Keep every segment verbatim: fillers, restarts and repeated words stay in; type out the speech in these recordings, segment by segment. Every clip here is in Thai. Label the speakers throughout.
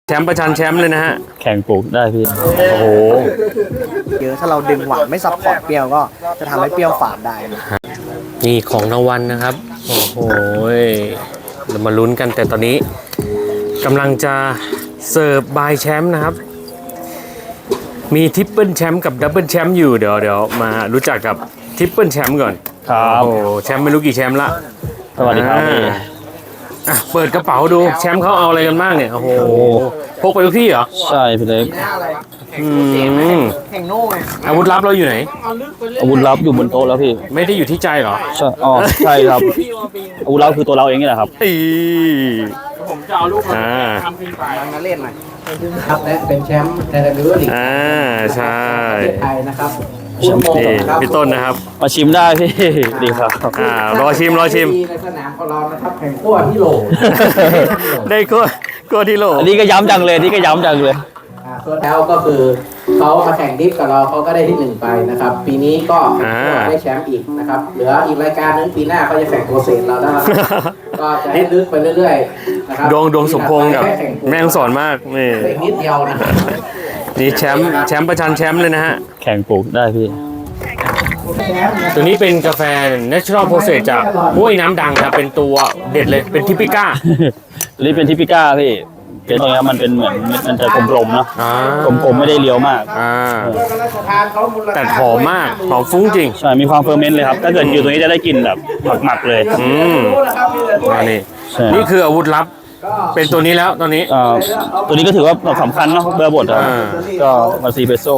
Speaker 1: แชมป์ประชันแชมป์เลยนะฮะ
Speaker 2: แข่งปลูกได้พี่
Speaker 1: โอ้โห
Speaker 3: เยอะถ้าเราดึงหวานไม่ซับพอร์ตเปรี้ยวก็จะทำให้เปรี้ยวฝาดได้นะ
Speaker 1: นี่ของรางวัลนะครับโอ้โหเรามาลุ้นกันแต่ตอนนี้กำลังจะเสิร์ฟบายแชมป์นะครับมีทริปเปิลแชมป์กับดับเบิลแชมป์อยู่เดี๋ยวเดี๋ยวมารู้จักกับทริปเปิลแชมป์ก่อน
Speaker 2: ครับ
Speaker 1: โอ้แชมป์ไม่รู้กี่แชมป์ละ
Speaker 2: สวัสดีครับพี่
Speaker 1: อ่ะเปิดกระเป๋าดูแชมป์เขาเอาอะไรกันบ้างเนี่ยโอ้โหพกไปทุกที่เหรอ
Speaker 2: ใช่พี่เล็ก
Speaker 1: อืม
Speaker 3: แข่งโน่ไง
Speaker 1: อาวุธลับเราอยู่ไหน
Speaker 2: อาวุธลับอยู่บนโต๊ะแล้วพี่
Speaker 1: ไม่ได้อยู่ที่ใจเหรอ
Speaker 2: ใช่อ๋อใช่ครับอาวุธลับคือตัวเราเองนี่แหละครับ
Speaker 1: อี
Speaker 3: ผมจะเอาลูกมาทำเป็นฝ่ายมาเล่นหน่อยครับและเป็นแชมป์ในดับเบิลลีก
Speaker 1: อ่าใช่
Speaker 3: ไทยนะครับ
Speaker 1: พี่ต้นนะครับ
Speaker 2: มาชิมได้พี่ดีครับ
Speaker 1: อ่ารอชิมรอชิม
Speaker 3: ในสนามของเรานะครับแข่งขั้วที่โหล
Speaker 1: ได้ขั้วขั้วที่โหล
Speaker 2: อันนี้ก็ย้ำจังเลยนี่ก็ย้ำจังเลย
Speaker 3: ส่วนแล้วก็คือเขามาแข่งดิฟกับเราเขาก็ได้ที่หนึ่งไปนะครับปีนี้ก็ได้แชมป์อีกนะครับเหลืออีกรายการนึงปีหน้าเขาจะแข่งโปรเซสเราแล้วก็จะให้ลึกไปเรื่อยๆนะครับ
Speaker 1: ดวงดวงสมพงษ์กับแม่งสอนมากนี่
Speaker 3: นิดเดียวนะ
Speaker 1: นี่แชมป์แชมป์ประชันแชมป์เลยนะฮะ
Speaker 2: แข่งปลูกได้พี่
Speaker 1: ตัวนี้เป็นกาแฟ Natural Process จากห้วยน้ำดังครับเป็นตัวเด็ดเลยเป็นทิปิก้า
Speaker 2: ตัวนี้เป็นทิปิก้าพี่เป็นตรงนี้มันเป็นเหมือนมันจะกลมๆเนาะกลมๆไม่ได้เลี้ยวมาก
Speaker 1: แต่หอมมากหอมฟุ้งจริง
Speaker 2: ใช่มีความเฟอร์เมนต์เลยครับถ้าเกิดอยู่ตรงนี้จะได้กลิ่นแบบหมักๆเลย
Speaker 1: อืมนี่นี่คืออาวุธลับเป็นตัวนี้แล้วตอนนี้
Speaker 2: ตัวนี้ก็ถือว่าสำคัญเนาะเบอร์บดอ่ะก็มาซีเปโซ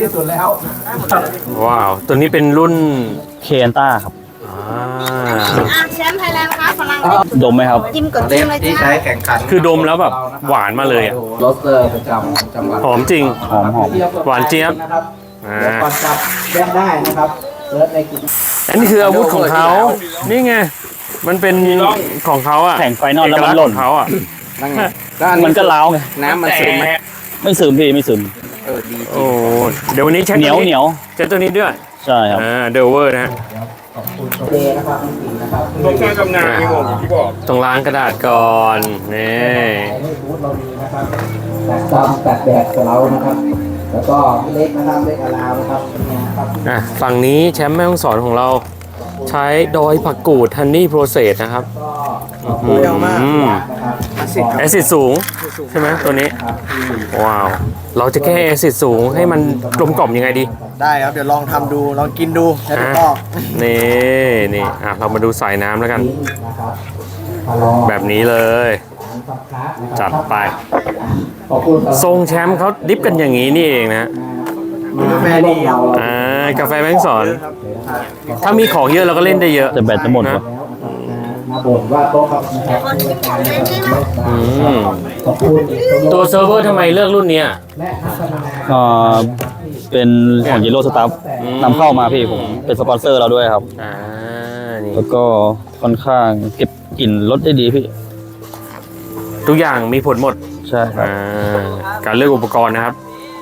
Speaker 1: ว้าวตัวนี้เป็นรุ่น
Speaker 2: เคนต้าครับ
Speaker 4: แชมป์ไทยแลนด์ครับฝรั่ง
Speaker 2: ดมไหมครับ
Speaker 4: จิ้มกดจิ้มเลย
Speaker 3: ที่ใช้แข่งขัน
Speaker 1: คือดมแล้วแบบหวานมาเลยอ่ะ
Speaker 3: รสเลยประจำจังหวัด
Speaker 1: หอมจริง
Speaker 2: หอมหอม
Speaker 1: หวานเจี๊ยบ
Speaker 3: อ่าก่อนจับแยกได้นะครับเลิศในกิน
Speaker 1: อันนี้คืออาวุธของเขานี่ไงมันเป็นของเขาอ่ะ
Speaker 2: แข่งไฟนอลแล้วมันหล่น
Speaker 1: เขาอ่ะ
Speaker 2: มันก็ล้าวไง
Speaker 3: น้ำมันซึมไหม
Speaker 2: ไม่ซึมพี่ไม่ซึม
Speaker 3: เออดี
Speaker 1: โอ้เดี๋ยววันนี้เช็ค
Speaker 2: เหนียวเหนียว
Speaker 1: เช็คตัวนี้ด้วย
Speaker 2: ใช่ครับ
Speaker 1: อ่าเดลเวอร์นะ
Speaker 3: เดนะครับนะครับ
Speaker 1: ต้องใช้กำนาพี่ผมที่บอกต้องล้างกระดาษก่อนนี่
Speaker 3: เราดีนะครับแตกดำแตกแดดกับเรานะครับแล้วก็เล็กนะครับเล็กอลาวนะครับเนี่ยครับ
Speaker 1: อ่ะฝั่งนี้แชมป์แม่ฮ่องสอนของเราใช้ดอยผักกูดฮันนี่โปรเซสนะครับ
Speaker 3: เปรี้ยวมาก
Speaker 1: แอซิดสูงใช่ไหมตัวนี้ว้าวเราจะแก้แอซิดสูงให้มันกลมกล่อมยังไงดี
Speaker 3: ได้ครับเดี๋ยวลองทำดูลองกินดูแล้วก็
Speaker 1: นี่นี่อ่ะเรามาดูสายน้ำแล้วกันแบบนี้เลยจัดไปทรงแชมป์เขาดิฟกันอย่างนี้นี่เองนะ
Speaker 3: กาแฟดี
Speaker 1: อ่ากาแฟแม่ฮ่องสอนถ้ามีของเยอะเราก็เล่นได้เยอะ
Speaker 2: แต่แบตจะหมดนะ
Speaker 1: ตัวเซิร์ฟเวอร์ทำไมเลือกรุ่นนี้
Speaker 2: อ่าเป็นของยีโร่สตาฟนำเข้ามาพี่ผมเป็นสปอนเซอร์เราด้วยครับ
Speaker 1: อ่า
Speaker 2: แล้วก็ค่อนข้างเก็บกลิ่นรสได้ดีพี่
Speaker 1: ทุกอย่างมีผลหมด
Speaker 2: ใช่ครับ
Speaker 1: การเลือกอุปกรณ์นะครับ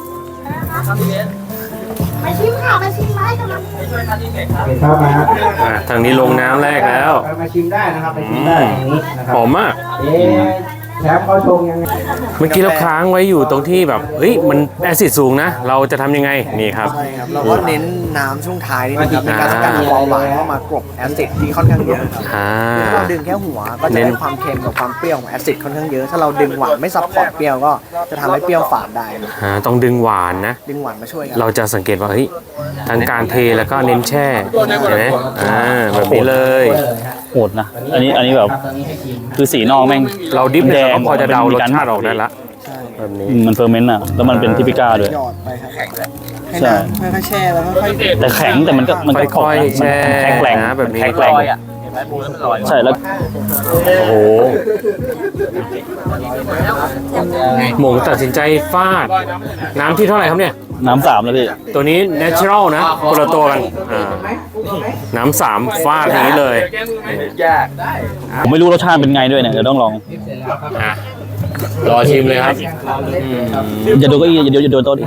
Speaker 4: มาชิมค่ะมาชิมไม้กันนะ
Speaker 3: เข้ามา
Speaker 1: ทางนี้ลงน้ำแรกแล้ว
Speaker 3: มาชิมได้นะครับมาชิมได้อย่างนี้นะครับ
Speaker 1: หอมมาก
Speaker 3: แชมป์เขาชงยังไง
Speaker 1: เมื่อกี้เราค้างไว้อยู่ตรงที่แบบเฮ้ยมันแอซิดสูงนะเราจะทำยังไงนี่ครับ
Speaker 3: ใช่ครับเราก็เน้นน้ำช่วงท้ายนี่นะครับในการกันความหวานเข้ามากรบแอซิดที่ค่อนข้างเยอะครับเราดึงแค่หัวก็จะได้ความเค็มกับความเปรี้ยวของแอซิดค่อนข้างเยอะถ้าเราดึงหวานไม่ซับพอร์ตเปรี้ยวก็จะทำให้เปรี้ยวฝาดได้
Speaker 1: ต้องดึงหวานนะ
Speaker 3: ดึงหวานมาช่วย
Speaker 1: เราจะสังเกตว่าเฮ้ยทั้งการเทแล้วก็เน้นแช่เห็นไหมอ่าแบบนี้เลย
Speaker 2: โหดนะอันนี้อันนี้แบบคือสีนอกแม่ง
Speaker 1: เราดิฟแดงพอจะเดารสชาติออกได้ละแบบนี้
Speaker 2: มันเฟอร์เมนต์อ่ะแล้วมันเป็นทิปิก้าด้วย
Speaker 3: ใช่ค่อยๆแช่แล้วค่อย
Speaker 2: ๆแต่แข็งแต่มันก็มันก็
Speaker 1: ค่อยๆแช่
Speaker 2: แข็งแรง
Speaker 1: นะแบบนี้
Speaker 2: แข็งแรงใช่แล้ว
Speaker 1: โอ้โหหมงตัดสินใจฟาดน้ำที่เท่าไหร่ครับเนี่ย
Speaker 2: น้ำสามแล้วพี่
Speaker 1: ตัวนี้ natural นะคนละตัวกันน้ำสามฟาดอย่างนี้เลย
Speaker 2: ผมไม่รู้รสชาติเป็นไงด้วยเนี่ยเดี๋ยวต้องลอง
Speaker 1: รอชิมเลยครับ
Speaker 2: อย่าดูก็อีอย่าดูอย่าดูโต๊ะดิ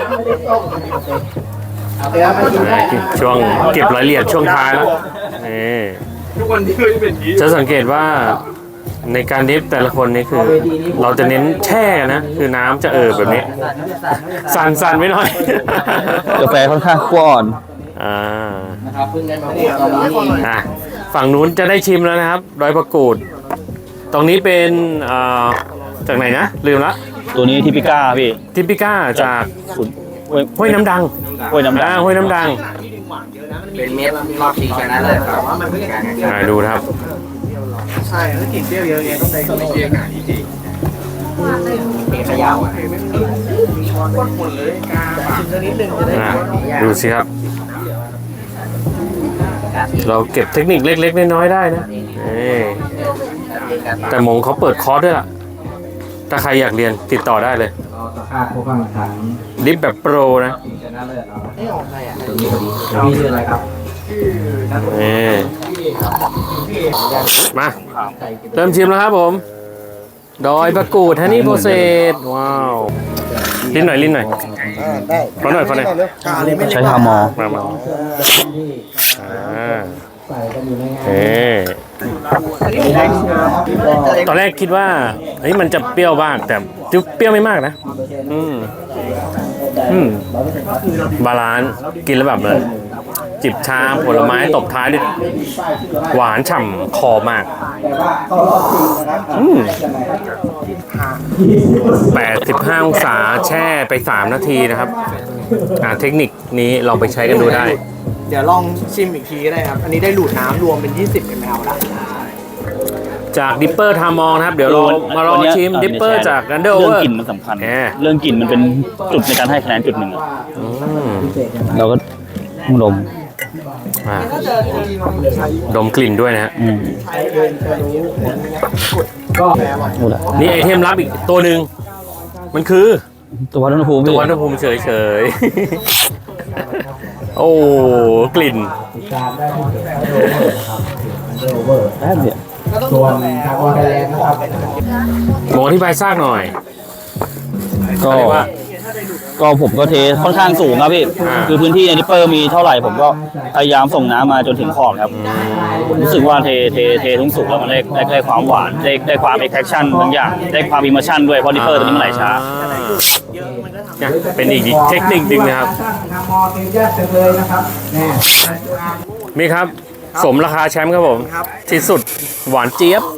Speaker 1: ช่วงเก็บรายละเอียดช่วงท้ายแล้วนี่จะสังเกตว่าในการดิฟแต่ละคนนี่คือ เราจะเน้นแช่นะคือน้ำจะเอ่อแบบนี้ สั่นๆไว้หน่อย
Speaker 2: กาแฟค่อนข้างขั้วอ่อน
Speaker 1: อ่าอ่ะฝั่งนู้นจะได้ชิมแล้วนะครับดอยประกูด ตรงนี้เป็นเอ่อจากไหนนะ ลืมละ
Speaker 2: ตัวนี้ทิปิก้าพี่
Speaker 1: ทิปิก้าจาก
Speaker 2: สุดห้วย
Speaker 1: ห้วยน้ำดัง
Speaker 2: ห้วยน้ำดั
Speaker 1: อ่าง ห้วยน้ำดัง
Speaker 5: เป็นเม็ดรอบชิงชนะเลิศครับ
Speaker 1: อ่าดูนะครับ
Speaker 3: ใช่แล้วกลิ่นเปรี้ยวเยอะแยะต้องใช้กลิ่นเปรี้ยวเป็นขยาวอ่ะหมดเลยชิมสักนิดนึงจะได้
Speaker 1: อ่าดูสิครับ เราเก็บเทคนิคเล็กๆน้อยๆได้นะนี่แต่หมงเขาเปิดคอร์สด้วยล่ะ ถ้าใครอยากเรียนติดต่อได้เลย
Speaker 5: ค่าผู้ฟังขัน
Speaker 1: ดิฟแบบโปรนะ
Speaker 5: ชิงชนะเลิศเนาะ
Speaker 3: ไม่ออกใครอ่ะ
Speaker 5: มีชื่ออะไรครับ
Speaker 1: นี่มา เริ่มชิมแล้วครับผม ดอยประกูดฮันนี่โปรเซสว้าว ลิ้นหน่อย ลิ้นหน่อย
Speaker 3: ได้
Speaker 1: ขอหน่อยขอหน่อย
Speaker 3: กาเลยไม่
Speaker 2: ใช้ทามอ
Speaker 1: มามาอ่าเอ๊ตอนแรกคิดว่าเฮ้ยมันจะเปรี้ยวบ้าง แต่เปรี้ยวไม่มากนะ อืม อืม บาลานซ์กินแล้วแบบเลย จิบชาผลไม้ตบท้ายด้วยหวานฉ่ำคอมาก อืมแปดสิบห้าองศาแช่ไปสามนาทีนะครับ อ่าเทคนิคนี้ลองไปใช้กันดูได้
Speaker 3: เดี๋ยวลองชิมอีกทีก็ได้ครับ อันนี้ได้ดูดน้ำรวมเป็นยี่สิบมิลลิลิตรแล้ว
Speaker 1: จากดิปเปอร์ทามองนะครับ เดี๋ยวเรามาลองชิมดิปเปอร์จากกันเดอร์
Speaker 2: เรื่อง
Speaker 1: เวอร์
Speaker 2: กลิ่นมันสำคัญ
Speaker 1: แหม
Speaker 2: เรื่องกลิ่นมันเป็นจุดในการให้คะแนนจุดหนึ่งอะ
Speaker 1: อืม
Speaker 2: เราก็ต้องดม
Speaker 1: อ่าดมกลิ่นด้วยนะฮะ
Speaker 2: อืมพูดอะ
Speaker 1: นี่ไอเทมลับอีกตัวหนึ่งมันคือ
Speaker 2: ตัววัดอุณหภูมิ
Speaker 1: ตั
Speaker 2: พี่
Speaker 1: ววัณหภูมิเฉยๆ โอ้กลิ่น
Speaker 2: แป๊บเดียว
Speaker 5: ส่วนทางวอลไทยแลนด์นะครับ
Speaker 1: หมออธิบายซากหน่อย
Speaker 2: ก็
Speaker 1: อะไรวะ
Speaker 2: ก็ผมก็เทค่อนข้างสูงครับพี่
Speaker 1: อ่า
Speaker 2: คือพื้นที่ในนิปเปอร์มีเท่าไหร่ผมก็พยายามส่งน้ำมาจนถึงขอบครับ รู้สึกว่าเทเทเททุ่งสูงแล้วมันได้ได้ได้ความหวานได้ได้ความเอ็กแทคชั่นบางอย่างได้ความอิมเมอร์ชั่นด้วยเพราะนิปเปอร์ตัวนี้มันไหลช้า
Speaker 1: เนี่ยเป็นอีกเทคนิคหนึ่งนะครับ
Speaker 5: ทางมอเต็มแยกเต็มเลยนะครับแน่
Speaker 1: มีครับ สมราคาแชมป์ครับผม ที่สุดหวานเจี๊ยบ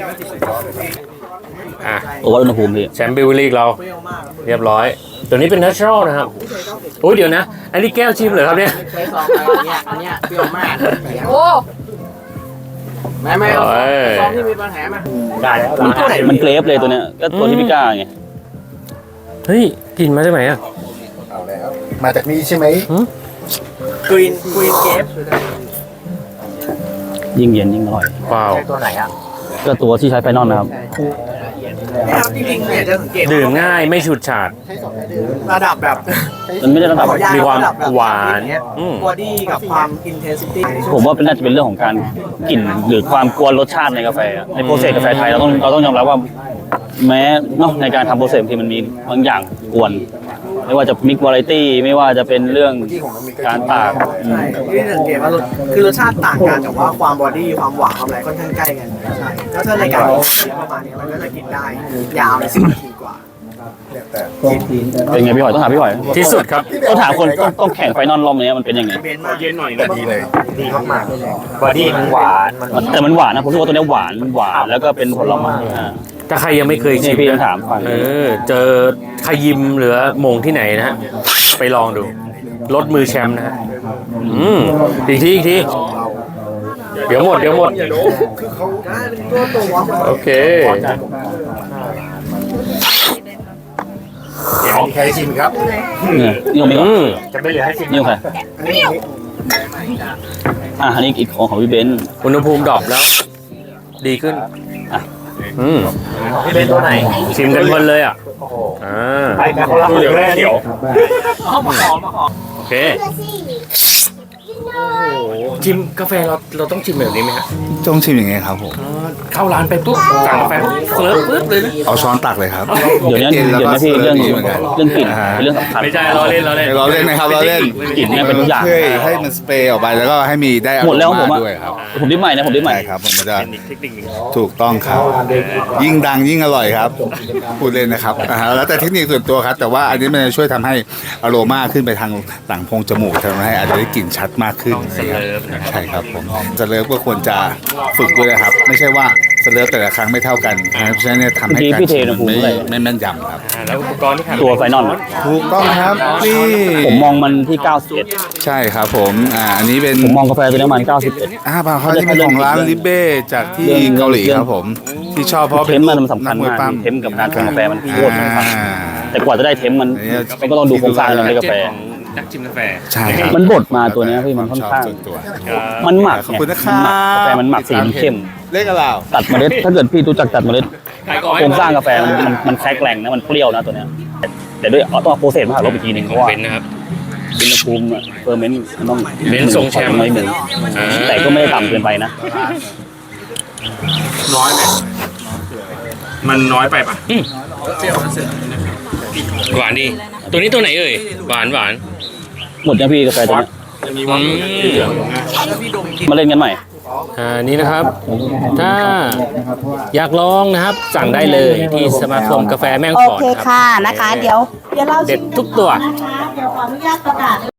Speaker 1: อ่ะ
Speaker 2: ตัววัดอุณหภูมิพี่
Speaker 1: แชมป์บิวลี่เรา เรียบร้อย ตัวนี้เป็น natural นะครับโอ้ยเดี๋ยวนะ อันนี้แก้วชิมเหรอครับเนี่ย
Speaker 5: ใช้ซองไปเนี่ยอันเนี้ยเปรี้ยวมาก
Speaker 4: โอ้
Speaker 5: ไม่ไม่เอาซองที่มีปัญหามา
Speaker 1: ได้แล้ว
Speaker 2: มันมันเกรฟเลยตัวเนี้ยก็ตัวที่พิก้าไง
Speaker 1: เฮ้ยกลิ่นมาจากไหนอ่ะ
Speaker 6: มาจากนี้ใช่ไหม
Speaker 3: กรีนกรีนเกฟ
Speaker 2: ยิ่งเย็นยิ่งอร่อย
Speaker 1: ว้าว
Speaker 3: ตัวไหนอ่ะ
Speaker 2: ก็ตัวที่ใช้ไฟนอลนะครับ
Speaker 3: นะครับจริงๆเนี่ยจะสังเกต
Speaker 1: ดื่มง่ายไม่ฉุดฉาด
Speaker 3: ระดับแบบ
Speaker 2: มันไม่ได้ระดับ
Speaker 1: มีความหวานอืม
Speaker 3: บอดี้กับความอินเทนซิตี้
Speaker 2: ผมว่าเป็นน่าจะเป็นเรื่องของการกลิ่นหรือความกวนรสชาติในกาแฟอะในโปรเซสกาแฟไทยเราต้องเราต้องยอมรับว่า แม้เนาะในการทำโปรเซสบางทีมันมีบางอย่างกวน ไม่ว่าจะมิกวาไรตี้ไม่ว่าจะเป็นเรื่องการตากอืม
Speaker 3: ใช่ที่สังเกตว่ารสคือรสชาติต่างกันแต่ว่าความบอดี้ความหวานความอะไรค่อนข้างใกล้กันใช่แล้วถ้าในการกินประมาณนี้มันก็จะกินได้ยาวในสิบนาทีกว่า
Speaker 2: เป็นไงพี่หอยต้องถามพี่หอย
Speaker 1: ที่สุดครับ
Speaker 2: ต้องถามคนต้องต้องแข่งไฟนอลรอบนี้มันเป็นยังไง
Speaker 3: เบนมากเย็นหน่อย
Speaker 6: ดีเลย
Speaker 3: ดีมากๆบอดี้มันหวานมัน
Speaker 2: แต่มันหวานนะผมรู้สึกว่าตัวเนี้ยหวานหวานแล้วก็เป็นผลไม้อ่า
Speaker 1: ถ้าใครยังไม่เคยชิม
Speaker 2: นี่พี่ต้อ
Speaker 1: นะ
Speaker 2: งถามก่อน
Speaker 1: เออ เจอขยิมหรือมงที่ไหนนะฮะ ไปลองดู ลดมือแชมป์นะฮะ อืม อีกที อีกที เดี๋ยวหมด เดี๋ยวหมด
Speaker 3: ตัวตัว
Speaker 1: โอเค
Speaker 6: มีใครชิมครับ
Speaker 2: เนี่ยนี่ของพี่ก่อน
Speaker 1: อืม
Speaker 2: นี่ของใครอ่ะอันนี้อีกของของพี่เบนซ์
Speaker 1: อุณหภูมิดรอปแล้ว ดีขึ้น
Speaker 2: อ่ะ
Speaker 1: อืม
Speaker 3: ที่เป็นตัวไหน
Speaker 1: ชิมกันเพลินเลยอ่ะ อ่า
Speaker 3: ไปกันคนละเดี๋ยวแรกเดี๋ยว
Speaker 1: โอเคชิมกาแฟเราเราต้องชิมแบบนี้ไหมฮะ
Speaker 7: ต้องชิมยังไงครับผม
Speaker 1: เข้าร้านไปปุ๊บสั่งกาแฟเฟิร์สปึ๊บเลยนะ
Speaker 7: เอาช้อนตักเลยครับ
Speaker 2: เดี๋ยวนี้
Speaker 7: ย็
Speaker 2: เดี๋ยว
Speaker 7: แล้วก็
Speaker 2: นี้พี่เรื่อง
Speaker 7: สิฟเหมือนกัน
Speaker 2: เรื่องกลิ่นเป็นเรื่องสำคัญ
Speaker 1: ไม่ใช่เราเล่นเราเล่น
Speaker 7: เราเล่นนะครับเราเล่น
Speaker 2: กลิ่นเนี่ยเป็นทุกอย่าง
Speaker 7: เพื่อให้มันสเปรย์ออกไปแล้วก็ให้มีได้อาร
Speaker 2: หมดแล้ว
Speaker 7: ม
Speaker 2: ผม
Speaker 7: ณ์
Speaker 2: อะ
Speaker 7: ด้วยครับ
Speaker 2: ผมดิ้นใหม่นะผมดิ้นใหม่
Speaker 7: ใช่ครับผมมันจะ
Speaker 1: เป็นอีกเทคนิคหนึ่ง
Speaker 7: ถูกต้องครับ ยิ่งดังยิ่งอร่อยครับพูดเล่นนะครับอ่าฮะแล้วแต่เทคนิคส่วนตัวครับ แต่ว่าอันนี้มันจะช่วยทำให้อโรมาขึ้นไปทางหลังโพรงจมูกทำให้อาจจะได้กลิ่นชัดมากขึ้น
Speaker 1: ต้องสเลิฟนะครับ
Speaker 7: ใช่ครับผมสเลิฟก็ควรจะฝึกด้วยนะครับ ไม่ใช่ว่าสเลิฟแต่ละครั้งไม่เท่ากันเพราะฉะนั้นเนี่ยทำให้
Speaker 2: เมื่อกี้
Speaker 7: การ
Speaker 2: พี่เท
Speaker 7: ชิม
Speaker 2: อุณหภูมิ
Speaker 7: ไม่
Speaker 2: เท่าไหร่
Speaker 7: ไม่แม่นยำครับ
Speaker 1: อ่าแล้วอุปกรณ์ที่ขาด
Speaker 2: ตัวไฟนอล
Speaker 7: ถูกต้องครับนี่
Speaker 2: ผมมองมันที่เก้าสิบเอ็ด
Speaker 7: ใช่ครับผมอ่าอันนี้เป็น
Speaker 2: ผมมองกาแฟตัวนี้มันเก้าสิบเอ็ด
Speaker 7: อ่าเปล่าครับนี่เป็นของร้านลิเบ้จากที่
Speaker 2: เรื่อง
Speaker 7: เกาหลี
Speaker 2: เรื่อง
Speaker 7: ครับผม ที่ชอบเพราะ
Speaker 2: เท
Speaker 7: เป็น
Speaker 2: มมันสำคัญ
Speaker 7: นัวย
Speaker 2: มาก
Speaker 7: ปั้ม
Speaker 2: เทมกับการชงกาแฟมันโคตรสำคัญ
Speaker 7: อ่า
Speaker 2: แต่กว่าจะได้เทมมัน
Speaker 7: อันนี้
Speaker 2: มันก็ต้องดูโครงสร้างในกาแฟ
Speaker 1: ของนักชิมกาแฟ
Speaker 7: ใช่ครับ
Speaker 2: มันบดมาตัวเนี้ยพี่มันค่อนข้าง
Speaker 7: ชบส่วนตัว
Speaker 2: มันหมัก
Speaker 7: ขอบ
Speaker 2: ไง
Speaker 7: คุณนะค
Speaker 2: มั
Speaker 7: รั
Speaker 2: นหมักกาแฟมันหมักสีมันเข้ม
Speaker 7: เลขอะไร
Speaker 2: ตัดเมล็ดถ้าเกิดพี่รู้จักตัดเมล็ด
Speaker 1: ใครก็ให้
Speaker 2: โครงสร้างกาแฟมันมันมันแทรกแรงนะมันเปรี้ยวนะตัวเนี้ยแต่ด้วยเอาต้องเอาโปรเซสมาหาลบอีกทีหนึ่งเพ
Speaker 1: ของ
Speaker 2: ราะว่า
Speaker 1: เบนซ์นะครับ
Speaker 2: อุณหภูมิอะเฟอร์เมนต์มันต้อง
Speaker 1: เบนซ์ทรงแชมป์
Speaker 2: ไม่หนึ่ง
Speaker 1: อ่า
Speaker 2: แต่ก็ไม่ได้ต่ำเกินไปนะ
Speaker 5: น้อยไหมมันน้อยไปปะ
Speaker 1: หวานดี ตัวนี้ตัวไหนเอ่ย หวานหวาน
Speaker 2: หมดยังพี่กาแฟตัวเนี้ย
Speaker 1: อืม
Speaker 2: มาเล่นกันใหม่
Speaker 1: อ่านี่นะครับ ถ้าอยากลองนะครับ สั่งได้เลยที่สมาคมกาแฟแม่ฮ่อง
Speaker 4: โอ
Speaker 1: สอน
Speaker 4: เค
Speaker 1: ครับ
Speaker 4: ค่ะนะคะ เดี๋ยว เดี๋ยวเรา
Speaker 1: เด็ดทุกตัว
Speaker 4: นะคะเดี๋ยวขออนุญาตประกาศ